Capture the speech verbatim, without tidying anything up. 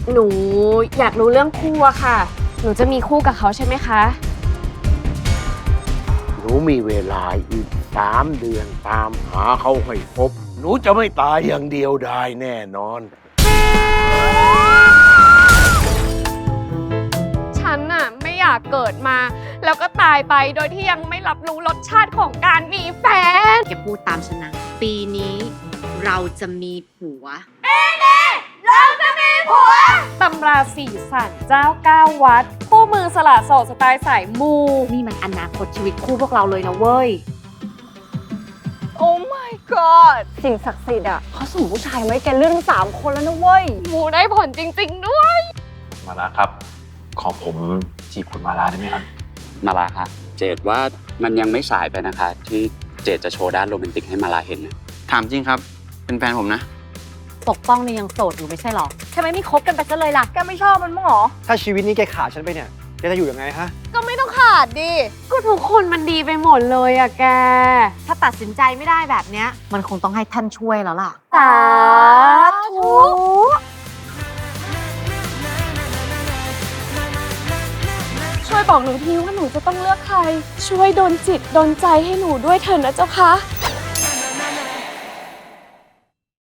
หนูอยากรู้เรื่องคู่อะค่ะ หนูจะมีคู่กับเขาใช่ไหมคะหนูมีเวลาอีกสามเดือนตามหาเขาให้พบ หนูจะไม่ตายอย่างเดียวได้แน่นอนฉันน่ะไม่อยากเกิดมา แล้วก็ตายไปโดยที่ยังไม่รับรู้รสชาติของการมีแฟนแกพูดตามฉันนะ ปีนี้เราจะมีผัวตำราสี่สันเจ้าเก้าวัด คู่มือสละโสดสไตล์สายมูนี่มันอนาคตชีวิตคู่พวกเราเลยนะเว้ยโอ้ my god สิ่งศักดิ์สิทธิ์อ่ะเขาส่งผู้ชายมาให้แกเลือกทั้งสามคนแล้วนะเว้ยมูได้ผลจริงๆด้วยมาลาครับ ขอผมจีบคุณมาลาได้ไหมครับมาลาคะเจดว่ามันยังไม่สายไปนะคะ ที่เจดจะโชว์ด้านโรแมนติกให้มาลาเห็นนะถามจริงครับ เป็นแฟนผมนะปกป้องเนี่ยยังโสดอยู่ไม่ใช่หรอทำไมไม่คบกันไปซะเลยล่ะแกไม่ชอบมันมั้งหรอถ้าชีวิตนี้แกขาดฉันไปเนี่ยแกจะอยู่ยังไงฮะก็ไม่ต้องขาดดิก็ทุกคนมันดีไปหมดเลยอะแกถ้าตัดสินใจไม่ได้แบบเนี้ยมันคงต้องให้ท่านช่วยแล้วล่ะสาธุ ช่วยบอกหนูทีว่าหนูจะต้องเลือกใคร ช่วยดลจิตดลใจให้หนูด้วยเถอะนะเจ้าคะ